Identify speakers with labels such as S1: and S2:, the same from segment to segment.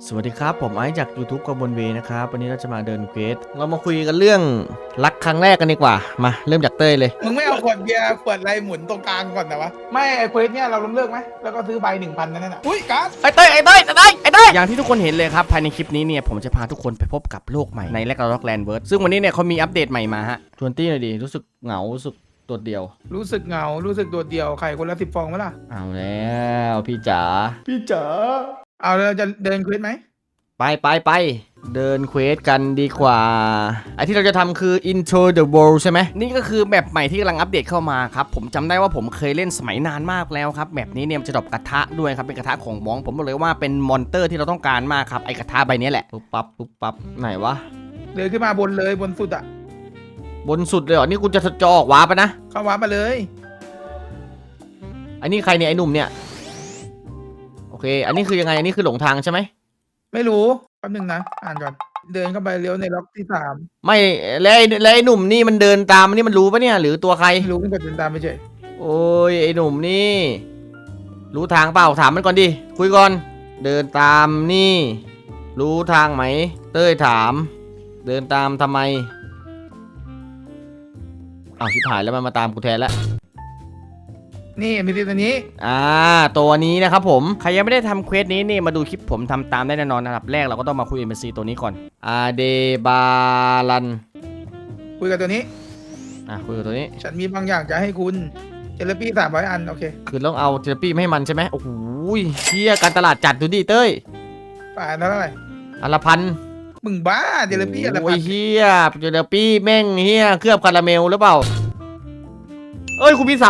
S1: สวัสดีครับผมไอซ์จาก YouTube กบนเวนะครับวันนี้เราจะมาเดินเควสเรามาคุยกันเรื่องรักครั้งแรกกันดีกว่ามาเริ่มจากเต้ยเลย
S2: มึงไม่เอาขวดเบียร์ขวดอะไรหมุนตรงกลางก่อนนะวะไม่ไอ้เควสเนี่ยเราล้มเลิกไหมแล้วก็ซื้อใบ1,000นั่นน่ะอุ้ยการ์ด
S1: ไอ้เต้ยอย่างที่ทุกคนเห็นเลยครับภายในคลิปนี้เนี่ยผมจะพาทุกคนไปพบกับโลกใหม่ในแลกร็อกแลนด์เวิร์ดซึ่งวันนี้เนี่ยเขามีอัปเดตใหม่มาฮะชวนตี้หน่อยดิรู้สึกเหงารู้สึกโดดเดี่ยว
S2: รู้สึกเหงารู้สึกโดดเดี่ยวไข่คนละ10 ฟองไหมล่ะ
S1: เอาแล้วพี่จ๋า
S2: เอาเราจะเดินเควสไหม
S1: ไปเดินเควสกันดีกว่าไอที่เราจะทำคือ Into the World ใช่ไหมนี่ก็คือแมปใหม่ที่กำลังอัปเดตเข้ามาครับผมจำได้ว่าผมเคยเล่นสมัยนานมากแล้วครับแมปนี้เนี่ยมันจะดรอปกระทะด้วยครับเป็นกระทะของมองผมบอกเลยว่าเป็นมอนเตอร์ที่เราต้องการมากครับไอกระทะใบนี้แหละปุ๊บปั๊บไหนวะ
S2: เดินขึ้นมาบนเลยบนสุดอ่ะ
S1: บนสุดเลยเหรอนี่กูจะออกวาร์ปนะ
S2: เข้าวาร์ปมาเลย
S1: อันนี้ใครเนี่ยไอหนุ่มเนี่ยโอเคอันนี้คือยังไงอันนี้คือหลงทางใช่ไหม
S2: ไม่รู้แป๊บนึงนะอ่านก่อนเดินเข้าไปเลี้ยวในล็อกที่3
S1: ไม่แล้วไอ้หนุ่มนี่มันเดินตามนี่มันรู้ปะเนี่ยหรือตัวใคร
S2: ไม่รู้มันกดเดินตามไปเฉย
S1: โอ้ยไอ้หนุ่มนี่รู้ทางเปล่าถามมันก่อนดิคุยก่อนเดินตามนี่รู้ทางไหมเต้ยถามเดินตามทำไมอ้าวชิบหายแล้วมันมาตามกูแทนแล้ว
S2: นี่มีตัวนี้
S1: ตัวนี้นะครับผมใครยังไม่ได้ทำเควสนี้นี่มาดูคลิปผมทำตามได้แน่นอนนะครับแรกเราก็ต้องมาคุย NPC ตัวนี้ก่อนอาเดบาลัน
S2: คุยกับตัวนี้
S1: คุยกับตัวนี้
S2: ฉันมีบางอย่างจะให้คุณเจลปี้300 อันโอเค
S1: คือต้องเอาเจลปี้ไม่ให้มันใช่ไหมโอ้โหเชี่ยการตลาดจัดดูดิเต้ย
S2: ป่าเท่าไหร่
S1: อันละพัน
S2: มึงบ้าเจลปี้อันละพัน
S1: โอ้ยเฮียเจลปี้แม่งเฮียเคลือบคาราเมลหรือเปล่าเอ้ยคุณมี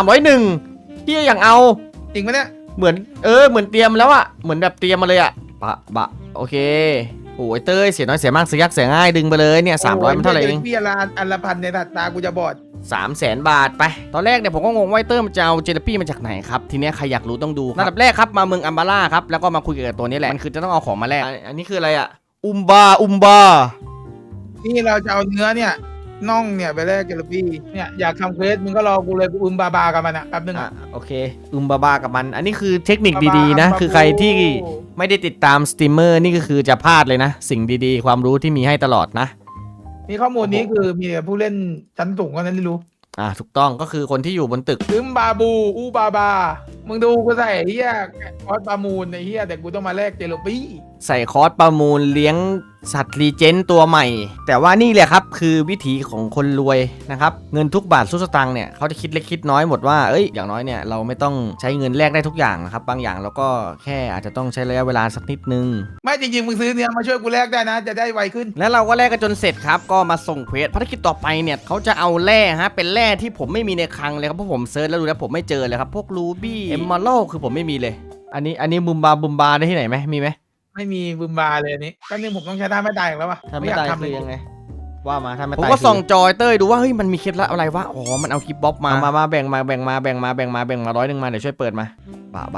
S1: 301เฮียอย่างเอา
S2: จริงไหมเนี่ย
S1: เหมือนเหมือนเตรียมแล้วอะเหมือนแบบเตรียมมาเลยอะบะโอเคโอ้ยเต้ยเสียน้อยเสียมากเสียยากเสียง่ายดึงไปเลยเนี่ย300มันเท่าไหร่เอง
S2: พี่อันละพันในตากูจะบอด
S1: 300,000 บาทไปตอนแรกเนี่ยผมก็งงว่าเต้ยมันจะเอาเจลปี้มาจากไหนครับทีนี้ใครอยากรู้ต้องดูระดับแรกครับมาเมืองอัมบาร่าครับแล้วก็มาคุยกับตัวนี้แหละมันคือจะต้องเอาของมาแลกอันนี้คืออะไรอะอุมบา
S2: นี่เราจะเอาเนื้อเนี่ยน่องเนี่ยไปแลกเจลปี้เนี่ยอยากทำเควสมึงก็รอกูเลยกูบากับมันอะแป๊บนึง
S1: โอเคบากับมันอันนี้คือเทคนิคดีๆนะคือใครที่ไม่ได้ติดตามสตรีมเมอร์นี่ก็คือจะพลาดเลยนะสิ่งดีๆความรู้ที่มีให้ตลอดนะ
S2: นี่ข้อมูลนี้คือมีผู้เล่นชั้นสูงเท่านั้นที่รู้
S1: ถูกต้องก็คือคนที่อยู่บนตึก
S2: บาบูบามึงดูกูใส่เฮียคอสประมูลในเฮียแต่กูต้องมาแลกเจลปี้
S1: ใส่คอร์สประมูลเลี้ยงสัตว์รีเจนตัวใหม่แต่ว่านี่แหละครับคือวิถีของคนรวยนะครับเงินทุกบาททุกสตางค์เนี่ยเขาจะคิดเล็กคิดน้อยหมดว่าอย่างน้อยเนี่ยเราไม่ต้องใช้เงินแลกได้ทุกอย่างนะครับบางอย่างเราก็แค่อาจจะต้องใช้ระยะเวลาสักนิดนึง
S2: ไม่จริงๆมึงซื้อเนี่ยมาช่วยกูแลกได้นะจะได้ไวขึ้น
S1: แล้วเราก็แลกกันจนเสร็จครับก็มาส่งเควสภารกิจต่อไปเนี่ยเขาจะเอาแร่ฮะเป็นแร่ที่ผมไม่มีในคลังเลยครับเพราะผมเซิร์ชแล้วดูแล้วผมไม่เจอเลยครับพวกรูบี้เอมเมอรัลคือผมไม่มีเลยอันนี้บุมบาได้ที่ไหนไหมมีไหม
S2: ไม่มีบึมบาเลยอันนี้ก็นึงผมต้องใช้ท่าไม่ตายอีกแล้ววะ
S1: ท่าไม่ตายคือยังไงว่ามาท่าไม่ตายผมก็ส่องจอยเต้ยดูว่าเฮ้ยมันมีเคล็ดลับอะไรวะอ๋อมันเอาคลิปบ๊อบมาแบ่งมา100มาเดี๋ยวช่วยเปิดมาบะ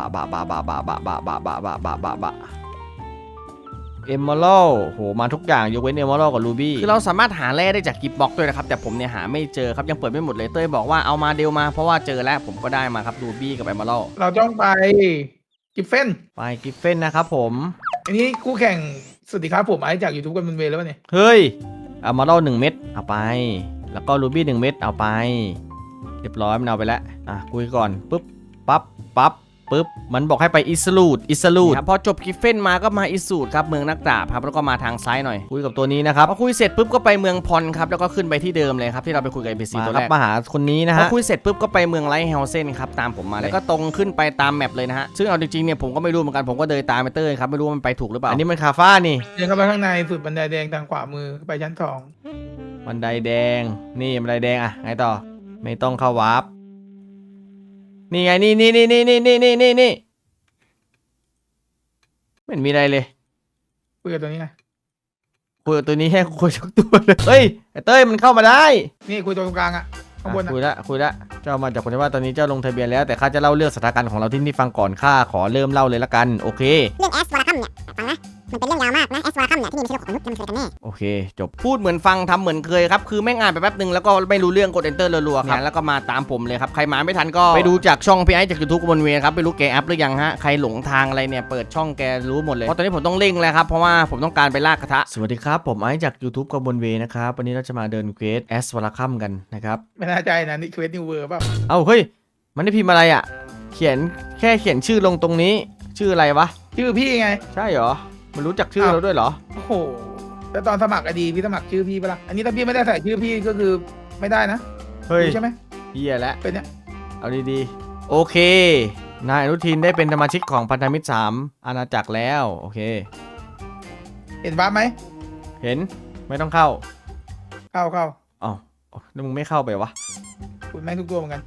S1: เอมเมอรัลโหมาทุกอย่างยกเว้นเอมเมอรัลกับรูบี้คือเราสามารถหาแร่ได้จากกิฟต์บ็อกด้วยนะครับแต่ผมเนี่ยหาไม่เจอครับยังเปิดไม่หมดเลยเต้ยบอกว่าเอามาเดลมาเพราะว่าเจอแล้วผมก็ได้มาครับรูบี้กับเอมเมอรัล
S2: เราต้องไปกิฟเฟน
S1: นะครับผม
S2: อันนี้คู่แข่งสวัสดีครับผมไอซ์จาก YouTube กันเป็นเวแล้วเนี่ย
S1: เฮ้ยเอามาเล่า1 เม็ดเอาไปแล้วก็รูบี้1 เม็ดเอาไปเรียบร้อยมันเอาไปแล้วคุยก่อนปุ๊บปั๊บมันบอกให้ไปอิสลูดครับพอจบกิฟเฟนมาก็มาอิสูดครับเมืองนักดาบครับแล้วก็มาทางซ้ายหน่อยคุยกับตัวนี้นะครับพอคุยเสร็จปุ๊บก็ไปเมืองพอนครับแล้วก็ขึ้นไปที่เดิมเลยครับที่เราไปคุยกับ NPC ตัวแรกมาหาคนนี้นะฮะพอคุยเสร็จปุ๊บก็ไปเมืองไลท์เฮลเซนครับตามผมมาเลยแล้วก็ตรงขึ้นไปตามแมปเลยนะฮะซึ่งเอาจริงๆเนี่ยผมก็ไม่รู้เหมือนกันผมก็เดินตามไปเต้ยครับไม่รู้ว่ามันไปถูกหรือเปล่าอันนี้มันคาฟ้านี่
S2: เดินเข้าไปข้างในสุดบันไดแดงทางขวามือไปชั้น2
S1: บันไดแดงนี่บันไดแดงไงต่อไม่ต้องเข้าวาร์ปนี่ไงนี่ไม่มีอะไรเลย
S2: คุยกับตัวนี้ไง
S1: คุยกับตัวนี้แค่คุยทุกตัวเลยเฮ้ยไอ้เต้ยมันเข้ามาได้
S2: นี่คุยตัวตรงกลางข้างบน
S1: คุยละเจ้ามาจากคนที่ว่าตอนนี้เจ้าลงทะเบียนแล้วแต่ข้าจะเล่าเรื่องสถานการณ์ของเราที่นี่ฟังก่อนข้าขอเริ่มเล่าเลยละกันโอเค
S3: เรื่องแอสวะคัมเนี่ยฟังนะมันเป็นเรื่องยาวมากนะแอสวาคัมเนี่ยที่นี่ไม่ใช่โลกของมนุษย์มันคือกันแน่
S1: โอเคจบพูดเหมือนฟังทำเหมือนเคยครับคือแม่งอ่านไปแป๊บนึงแล้วก็ไม่รู้เรื่องกด enter รัวๆครับแล้วก็มาตามผมเลยครับใครมาไม่ทันก็ไปดูจากช่องพี่ไอ้จาก YouTube บนเวครับไม่รู้แกอัพหรือยังฮะใครหลงทางอะไรเนี่ยเปิดช่องแกรู้หมดเลยเพราะตอนนี้ผมต้องเร่งแล้วครับเพราะว่าผมต้องการไปลากกระทะสวัสดีครับผมไอ้จาก YouTube กับบนเวนะครับวันนี้เราจะมาเดินเควสแอสวาคัมกันนะครับ
S2: ไม่น่าใจนะนี่เควสนิวเวอร์เปล่า
S1: เอ้าเฮ้ยมันได้พิมพ์อะไรอ่ะเขียนแค่เขียนชื่อลงตรงนี้ชื่ออะไรวะ
S2: ชื่อพี่ไง
S1: ใช่เหรอมันรู้จักชื่อเราด้วยเหรอ
S2: โอ้โหแล้วตอนสมัครอดีพี่สมัครชื่อพี่ปะล่ะอันนี้ถ้าพี่ไม่ได้ใส่ชื่อพี่ก็คือไม่ได้นะ
S1: เฮ้ย
S2: รู้ใช่ไหม
S1: เฮียแล้ว
S2: เป็นเนี่ย
S1: เอาดีๆโอเคนายอนุทินได้เป็นสมาชิกของพันธมิตร3อาณาจักรแล้วโอเค
S2: เห็นฟ้าไหม
S1: เห็นไม่ต้องเข้า
S2: เข้า
S1: อ้าวแล้วมึงไม่เข้าไปวะ
S2: คุณแม่งทุกตัวเหมือนกัน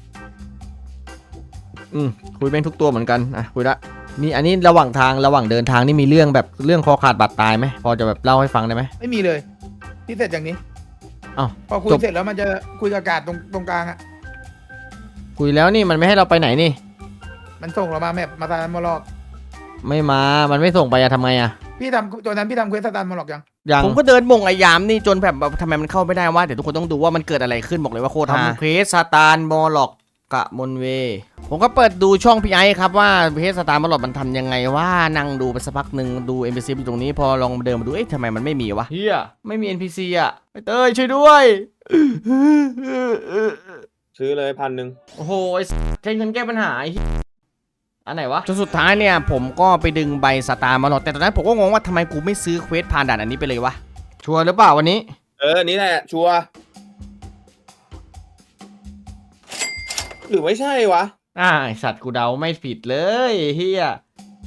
S1: คุยแม่งทุกตัวเหมือนกันอ่ะคุยละนี่อันนี้ระหว่างเดินทางนี่มีเรื่องแบบเรื่องคอขาดบาดตายไหมพอจะแบบเล่าให้ฟังได้ไหม
S2: ไม่มีเลยที่เสร็จอย่างนี้
S1: อ้าว
S2: พอคุย
S1: จบ
S2: เสร็จแล้วมันจะคุยกับอากาศตรงกลางอ่ะ
S1: คุยแล้วนี่มันไม่ให้เราไปไหนนี่
S2: มันส่งเรามาแมปมาตานมอลอก
S1: ไม่มามันไม่ส่งไปอะทำไงอะ
S2: พี่ทำตัวนั้นพี่ทำเควสตานมอลอกยัง
S1: อย่างผมก็เดินบ่งไอยามนี่จนแบบทำไมมันเข้าไม่ได้วะเดี๋ยวทุกคนต้องดูว่ามันเกิดอะไรขึ้นบอกเลยว่าโคตรฮาเพจซาตานมอลอกกะมนเวผมก็เปิดดูช่องพี่ไอครับว่าเพจซาตานมอลอกมันทำยังไงว่านั่งดูไปสักพักหนึ่งดู NPC อยู่ตรงนี้พอลองเดินมาดูเอ๊ะทำไมมันไม่มีวะเฮียไม่มี NPC อ่ะเต้ยช่วยด้วย
S4: ซื้อเลย1,000
S1: โอ้โหใช้เงินแก้ปัญหาไอ้เหี้ยอันไหนวะจนสุดท้ายเนี่ยผมก็ไปดึงใบสตาร์มาหลอดแต่ตอนนั้นผมก็งงว่าทำไมกูไม่ซื้อเควสผ่านด่านอันนี้ไปเลยวะชัวร์หรือเปล่าวันนี้
S4: นี่แหละชัวร์หรือไม่ใช่วะ
S1: ไอสัตว์กูเดาไม่ผิดเลยเฮีย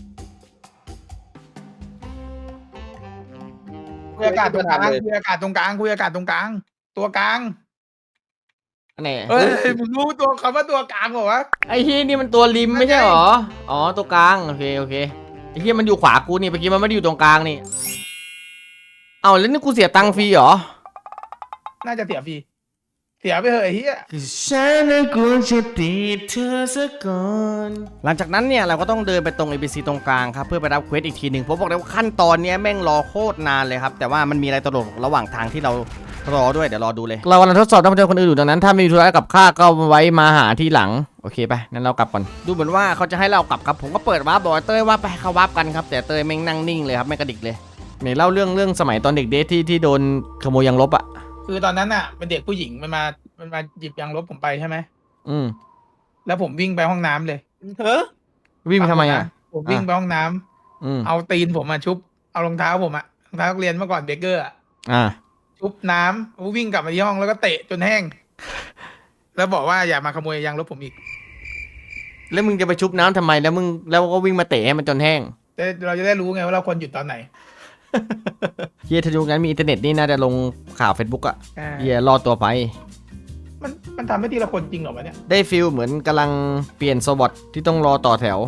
S2: คุยอากาศตรงกลางคุยอากาศตรงกลางคุยอากาศตรงกลาง ตัวกลาง
S1: อันไหน
S2: เฮ้ยมึงรู้ตัวคำว่าตัวกลางเหรอวะ
S1: ไอเฮียนี่มันตัวริมไม่ใช่หรออ๋อตัวกลางโอเคไอเฮียมันอยู่ขวากูนี่เมื่อกี้มันไม่ได้อยู่ตรงกลางนี่เอาแล้วนี่กูเสียตังค์ฟรีเหรอ
S2: น่าจะเสียฟรีเสียไปเหอะไอ้เหี้ย
S1: คือฉันน่ะกลัวจะติดเธอซะก่อนหลังจากนั้นเนี่ยเราก็ต้องเดินไปตรง ABC ตรงกลางครับเพื่อไปรับเควสอีกทีหนึ่งผมบอกเลยว่าขั้นตอนเนี้ยแม่งรอโคตรนานเลยครับแต่ว่ามันมีอะไรตลกระหว่างทางที่เรารอด้วยเดี๋ยวรอดูเลยเรากำลังทดสอบนักเรียนคนอื่นอยู่ดังนั้นถ้าไม่มีธุระกับข้าก็ไว้มาหาที่หลังโอเคไปงั้นเรากลับก่อนดูเหมือนว่าเขาจะให้เรากลับครับผมก็เปิดวาร์ปบอกเต้ยว่าไปเขาวาร์ปกันครับแต่เต้ยแม่งนั่งนิ่งเลยครับไม่กระดิกเลยเนี่ยเล่าเรื่องสมัยตอนเด็กเดทที่โดนขโมยยางลบอ่ะ
S2: คือตอนนั้นอ่ะเป็นเด็กผู้หญิงมันมาหยิบยางลบผมไปใช่ไหม
S1: อืม
S2: แล้วผมวิ่งไปห้องน้ำเลย
S4: เฮ้อ
S1: วิ่งไปทำไมอ่ะ
S2: ผมวิ่งไปห้องน้ำ
S1: อืม
S2: เอาตีนผมมาชุบเอารองเท้าผมอะรองเท้านักเรียนเมื่อก่อนเบเกอร์อะ
S1: อ่า
S2: ชุบน้ำวิ่งกลับมาที่ห้องแล้วก็เตะจนแห้ง แล้วบอกว่าอย่ามาขโมยยางลบผมอีก
S1: แล้วมึงจะไปชุบน้ำทำไมแล้วก็วิ่งมาเตะให้มันจนแห้ง
S2: แต่เราจะได้รู้ไงว่าเราควรหยุดตอนไหน
S1: เฮียถ้ายุคนั้นมีอินเทอร์เน็ตนี่น่าจะลงข่าว Facebook อ่ะ
S2: อ่า
S1: เฮียรอดตัวไป
S2: มันทำให้ทีละคนจริงเหรอวะเนี่ย
S1: ได้ฟิลเหมือนกำลังเปลี่ยนโซบอทที่ต้องรอต่อแถว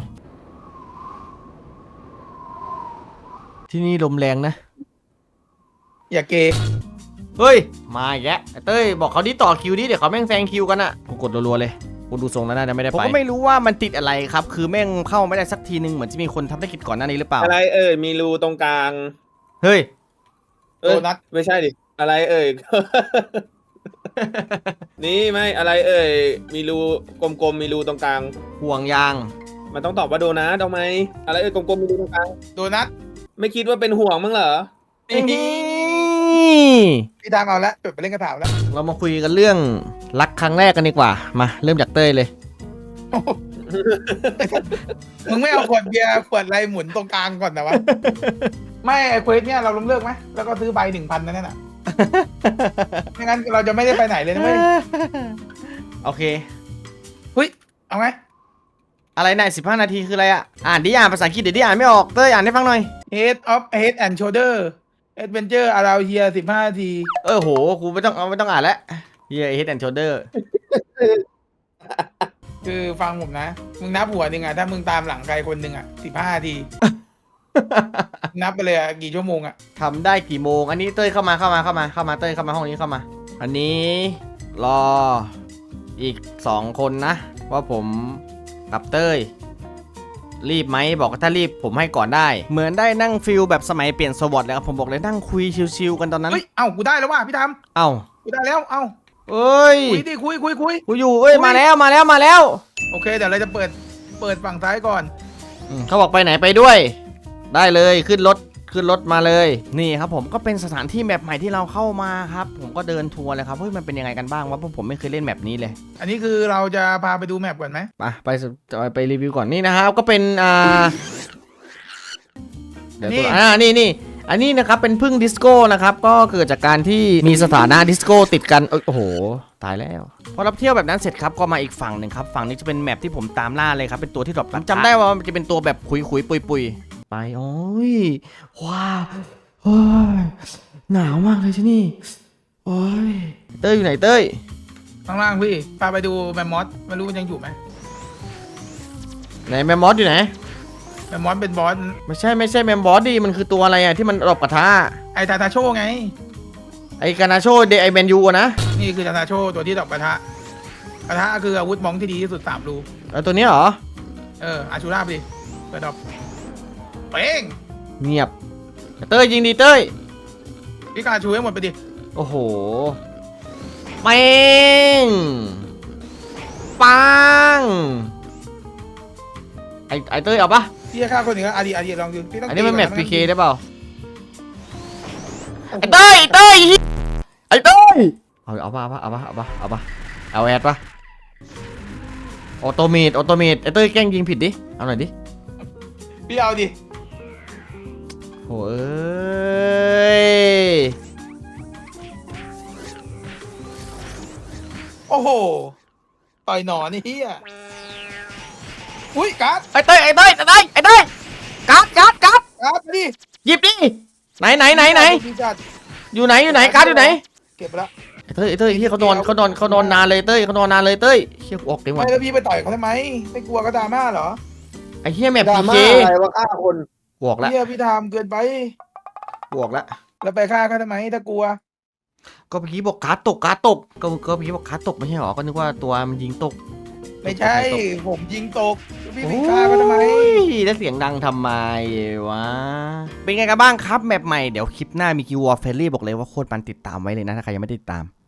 S1: ที่นี่ลมแรงนะ
S2: อย่าเกย์
S1: เฮ้ย มาอีกแล้วไอ้เต้ยบอกเขาดิต่อคิวดิเดี๋ยวเขาแม่งแซงคิวกันอะกูกดรัวๆเลยกูดูทรงแล้วน่าจะไม่ได้ไปผมก็ไม่รู้ว่ามันติดอะไรครับ คือแม่งเข้าไม่ได้สักทีนึงเหมือนจะมีคนทำธุรกิจก่อนหน้านี้หรือเปล่า
S4: อะไรมีรูตรงกลาง
S1: เฮ้ย
S2: โดนัท
S4: ไม่ใช่ดิอะไรนี่ไม่อะไรมีรูกลมๆมีรูตรงกลาง
S1: ห่วงยาง
S4: มันต้องตอบว่าโดนะทำไมอะไรกลมๆมีรูตรงกลาง
S2: โดนัท
S4: ไม่คิดว่าเป็นห่วงมั้งเหรอ
S1: นี่
S2: พี่ทางเอาละจดไปเล่นกระถางแล้ว
S1: เรามาคุยกันเรื่องรักครั้งแรกกันดีกว่ามาเริ่มจากเต้ยเลย
S2: มึงไม่เอาขวดเบียร์ขวดอะไรหมุนตรงกลางก่อนนะวะ ไม่ไอ้เควสเนี่ยเราล้มเลิกไหมแล้วก็ซื้อใบ 1,000นั่นน่ะ ไม่งั้นเราจะไม่ได้ไปไหนเลยนะเว้ย
S1: โอเค
S2: เฮ้ยเอาไง
S1: อะไรนาย15 นาทีคืออะไรอ่ะอ่านดิอ่านภาษาอังกฤษเดี๋ยวดิอ่านไม่ออกเต้ยอ่านให้ฟังหน่อย
S2: Head of Head and Shoulder Adventure Around Here 15 นาที
S1: โหกูไม่ต้องอ่านแล้วเฮีย Head and Shoulder
S2: คือฟังผมนะ มึงนับหัวหนึ่งอ่ะ ถ้ามึงตามหลังใครคนหนึ่งอ่ะ 15 นาที นับไปเลยอ่ะ กี่ชั่วโมงอ่ะ
S1: ทำได้กี่โมงอันนี้เต้ยเข้ามาเต้ยเข้ามาห้องนี้เข้ามา อันนี้รออีก2 คนนะ ว่าผมกับเต้ยรีบไหมบอกว่าถ้ารีบผมให้ก่อนได้ เหมือนได้นั่งฟิลแบบสมัยเปลี่ยนสวอตเลยครับผมบอกเลยนั่งคุยชิวๆกันตอนนั้น
S2: เฮ้ยเอ้ากูได้แล้วว่ะพี่ท
S1: เอ้า
S2: ำกูได้แล้วเอ้า
S1: เอ้ย
S2: คุยดิคุย
S1: กูอยู่เอ้ยมาแล้วมาแล้ว
S2: โอเคเดี๋ยวเราจะเปิดฝั่งซ้ายก่อน
S1: เขาบอกไปไหนไปด้วย ได้เลยขึ้นรถมาเลยนี่ครับผมก็เป็นสถานที่แมปใหม่ที่เราเข้ามาครับผมก็เดินทัวร์เลยครับเฮ้ยมันเป็นยังไงกันบ้างวะเพราะผมไม่เคยเล่นแมปนี้เลย
S2: อันนี้คือเราจะพาไปดูแมปก่อนไหม
S1: ไปรีวิวก่อนนี่นะครับก็เป็นเดี๋ยวตัวนี่อันนี้นะครับเป็นพึ่งดิสโก้นะครับก็เกิดจากการที่มีสถานะดิสโก้ติดกันโอ้โหตายแล้วพอรับเที่ยวแบบนั้นเสร็จครับก็มาอีกฝั่งหนึ่งครับฝั่งนี้จะเป็นแมปที่ผมตามล่าเลยครับเป็นตัวที่ดรอปจำได้ว่ามันจะเป็นตัวแบบคุยปุยไปโอ้ยว้าวโอ้ยหนาวมากเลยที่นี่โอ้ยเต้ยอยู่ไหนเต้ย
S2: ข้างล่างพี่พาไปดูแมมมอสไม่รู้มันยังอยู่ไหม
S1: ไหนแมมมอสอยู่ไหน
S2: แมมมอสเป็นบอส
S1: ไม่ใช่แมมบอสดิมันคือตัวอะไรอ่ะที่มันรบกระทะ
S2: ไอทาทาโชไง
S1: ไอกานาโชเดไอแมนยูนะ
S2: นี่คือทาทาโชตัวที่ดอกกระทะคืออาวุธมองที่ดีที่สุด3 รู
S1: แล้วตัวนี้เหรอ
S2: อาชูราบดิเปิดดอกเป้ง
S1: เงียบเต้ยยิงดีเต้ย
S2: พี่กาชูให้หมดไปดิ
S1: โอ้โหเป้งปังไอเต้ยเอาปะ
S2: พี่จะฆ่าคนหนึ่งก็อาดีลองดูพี่ต้อง
S1: อันนี้มันแมป
S2: ตี
S1: PK
S2: ก่อ
S1: ได้เปล่า
S2: โอ้โห
S1: ไอเต้ยไอเต้ยเอาปะเอาแอดปะออโตเมตไอเต้ยแกล้งยิงผิดดิเอาหน่อยดิ
S2: พี่เอาดิ
S1: โอ้ย
S2: โอ้โหต่อยหนอนนี่เฮียอุ้ยการ์ด
S1: ไอเต้ยกัด
S2: การ์ดดิ
S1: หยิบดิไหน
S2: พี่จัด
S1: อยู่ไหนกัดอยู่ไหน
S2: เก็บไปแล้ว
S1: ไอเต้ยเฮียเขานอนนานเลยเต้ยเขานอนนานเลยเต้ยเฮียกูออกเต็มหมด
S2: ไม่แล้วพี่ไปต่อยเขาทำไมไม่กลัวก็ดราม่าเหรอ
S1: ไอเฮียแมป
S5: ดรา
S1: พี
S5: ม่า
S1: เค
S5: อะไรว่าฆ่าคน
S1: บวกแล้ว
S2: เฮียพี่ทำเกินไป
S1: บวกแล้ว
S2: แล้วไปฆ่าเขาทำไมถ้ากลัว
S1: ก็เมื่อกี้บอกการ์ดตกก็เมื่อกี้บอกการ์ดตกไม่ใช่หรอก็นึกว่าตัวมันยิงตก
S2: ไม่ใช่ผมยิงตกพี่ไปฆ่าเขาทำไม
S1: โอ้ยแล้วเสียงดังทำไมวะเป็นไงกันบ้างครับแมปใหม่เดี๋ยวคลิปหน้ามีคิววอลเฟรลี่บอกเลยว่าโคตรมันติดตามไว้เลยนะถ้าใครยังไม่ได้ติดตาม